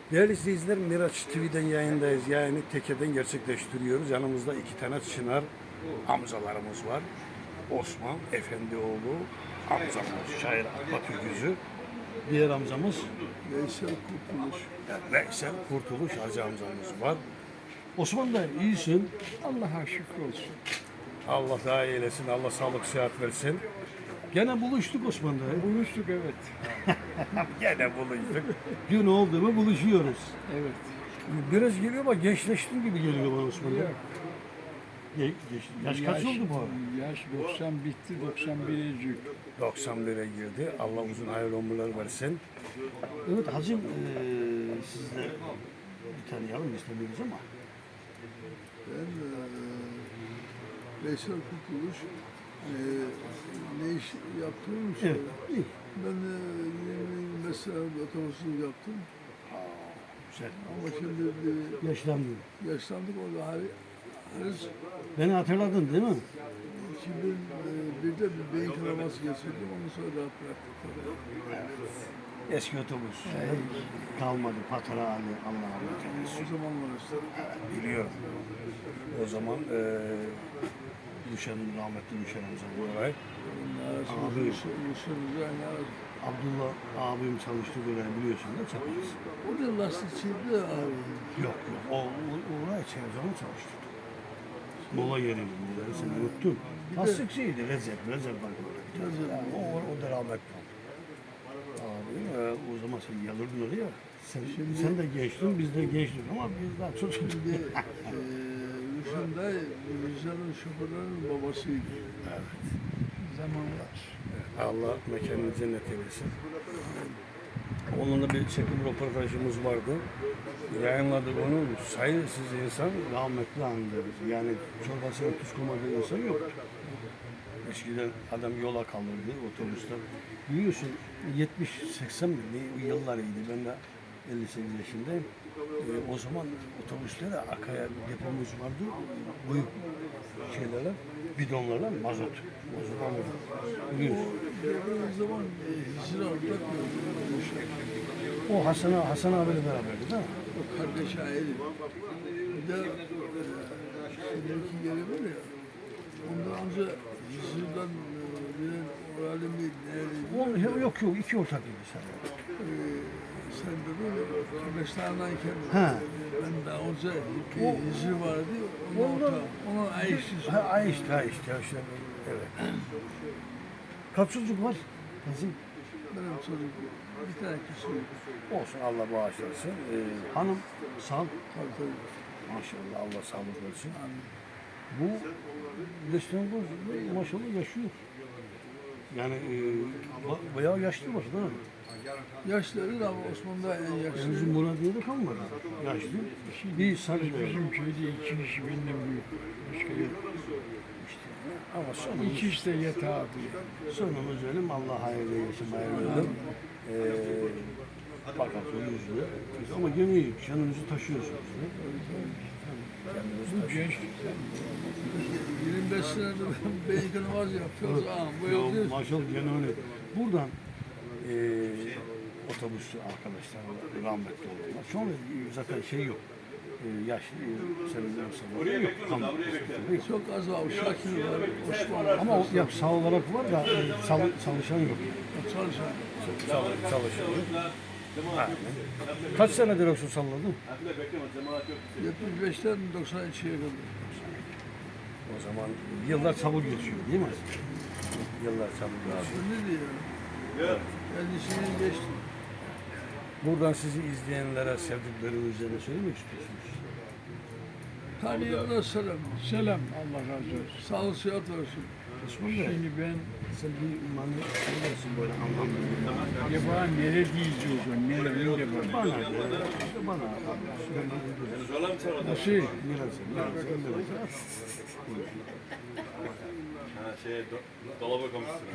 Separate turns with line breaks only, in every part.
Değerli izleyiciler, Miraç TV'den yayındayız. Yayını Teke'den gerçekleştiriyoruz. Yanımızda iki tane Çınar amcalarımız var. Osman Efendioğlu amcamız, şair Atatürk'üzü. Diğer amcamız
Veysel Kurtuluş.
Veysel Kurtuluş Hacı amcamız var. Osman da iyisin.
Allah'a şükür olsun.
Allah daha iyi eylesin. Allah sağlık, sıhhat versin. Gene buluştuk Osman'da.
Buluştuk evet.
Gene buluştuk. Gün oldu mu buluşuyoruz.
Evet.
Biraz geliyor ama gençleştin gibi geliyor bana Osman'da.
Yok.
Yaş kaç oldu bu arada?
Yaş 90 bitti, 91'e cük.
91'e girdi. Allah uzun hayırlı ömürler versin. Evet hacım, sizle bir tanıyalım istemiyoruz ama.
Ben Veysel Kurtuluş. Ne iş yaptığımı
Evet.
söyle. Ben 20 sene otobüsçülük yaptım.
Güzel.
Ama şimdi
Yaşlandım.
yaşlandık orada Haris
Beni hatırladın değil mi?
2001'de bir beyin kanaması geçirdim. Ondan sonra rahat bıraktık.
Eski otobüs. Kalmadı. Patara Ali. Allah rahmet eylesin.
O zamanlar işte.
Biliyorum. O zaman rahmetli Müşen amcam bu olay. Abi. Abdullah abim çalıştı böyle biliyorsun da çaparız.
O da lastikçiydi abi.
Yok. Oraya Çevzan'ı çalıştırdı. Mola yeriydi bunları sen unuttun. Lastikçiydi Recep var böyle. O da rahmetli oldu. Abi o zaman sen yalırdın oraya. Sen de gençtin, biz de gençtik ama biz daha çocuk.
Rüşen dayı, Rüşen'in şoförlerinin babasıydı.
Evet.
Zamanlar.
Allah mekanını cennet eylesin. Onunla bir çekim röportajımız vardı. Yayınladık onu. Sayısız insan rahmetli andı. Yani çorbasına tuz koymadığı insan yoktu. Eskiden adam yola kalırdı otobüsten. Biliyorsun 70-80 mi? Ne yıllarıydı. Ben de 58 yaşındayım. O zaman otobüslere akaya depomuz vardı. Büyük şeylerle, bidonlarla mazot. Mazot alıyorduk. Biliyorsun.
O zaman Ziraat'ta
O Hasan abiyle beraberdi değil mi?
o kardeş aile. Bir de şimdiki yeri var ya, ondan önce Ziraat'tan bilen orali mi nerede?
Yok iki ortaklıydı sen.
Sen dedin ya, kardeşlerinden
Ha.
ben daha önce bir Hicri vardı, onun ortağı. Onun Ayşe'si.
Ayşe. Evet. Kaç çocuk var? Kızım.
Benim çocuk bir tane kişi yok.
Olsun Allah bağışlasın. Hanım sağ.
Tabii.
Maşallah Allah sağlık versin. Bu İstanbul maşallah yaşıyor. Yani bayağı yaşlı var değil mi?
Yaşları da Osman'da en yaşlı.
Bizim Murat diye de kalmadı. Yaşlı. Bir sarı böyle.
Bizim köyde iki kişi benden büyük. Başka yok.
Ama sonumuz,
İki işte yatağı abi.
sonumuz ölüm. Allah hayırlı eylesin. Hayırlı ölüm. Fakat o yüzlü. Ama gene iyi. Canınızı taşıyorsunuz.
Bu genç. 25 senedir beyin kanaması yapıyoruz. Bu yolda
Maşallah gene öyle. Buradan otobüsçü arkadaşlar rahmetli oldular. Şu an zaten şey yok. Yaşlı senin yok.
çok az var. Şakir var, Osman var.
Ama sağ olarak var da çalışan yok.
Çalışan.
Çalışan yok. Aynen. Kaç senedir olsun salladın?
75'ten 92'ye kadar.
O zaman yıllar çabuk geçiyor değil mi? Yıllar çabuk geçiyor.
Ne diyor? Kendisini geçti.
Buradan sizi izleyenlere sevdiklerinizi ne söylemek istiyorsunuz?
Tanıyanlar selam. Selam. Allah razı olsun. Sağlık sıhhat olsun.
Osman Bey,
Şimdi ben
sen bir imanlı söylersin böyle anlamlı.
acaba nere diyeceğiz o? Nere
Bana,
bana?
bana.
Nasıl?
Biraz.
Dolaba koymuşsun.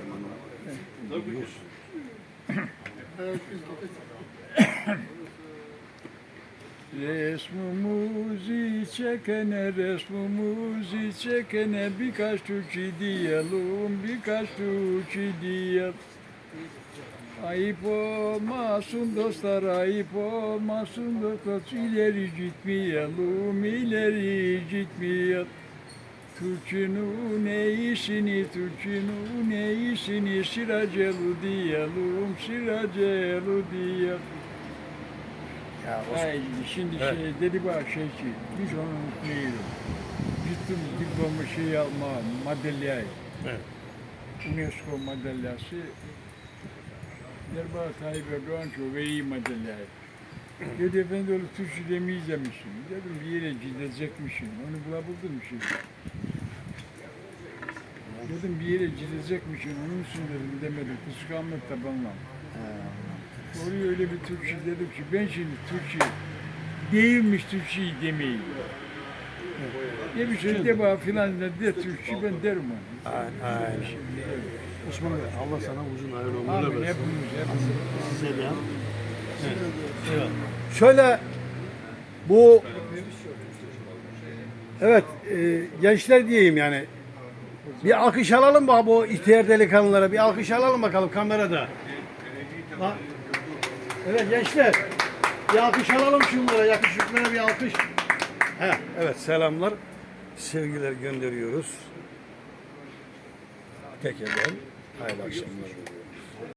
Resmumuzu çekene birkaç türkü diyelim, birkaç türkü diyelim.
Ayıp olmasın dostlar, ayıp olmasın dostlar. İleri gitmeyelim, ileri gitmeyelim. Türk'ünün iyisini, Türk'ünün iyisini sıracelu diyelim, sıracelu diyelim.
Ya
Ay, şimdi
Evet.
dedi bana ki, biz onu unutmayalım. Gittim diploma şey alma, madalyayı.
Evet.
UNESCO madalyası. Derba Tayyip Erdoğan çok iyi madalyayı. Dedi efendi öyle Türkçe demeyecekmişim. Dedim bir yere gidecekmişim. Onu bulabildin mi şimdi? Dedim bir yere gidecekmişim. Onun için dedim demedim. Kıskanmak da bana. Oraya öyle bir Türkçe dedim ki ben şimdi Türkçe değilmiş Türkçeyi demeyeyim. Demiş de bana filan de Türkçe ben derim onu.
Aynen. Osman Bey, Allah sana uzun hayırlı ömürler
Amin
versin.
hepimiz.
Size de. Evet. Şöyle bu evet gençler diyeyim yani bir alkış alalım mı bu ihtiyar delikanlılara, bir alkış alalım bakalım kamerada. Ha? Evet gençler, bir alkış alalım şunlara, yakışıklara bir alkış. Evet selamlar, sevgiler gönderiyoruz. Tekrardan hayırlı akşamlar.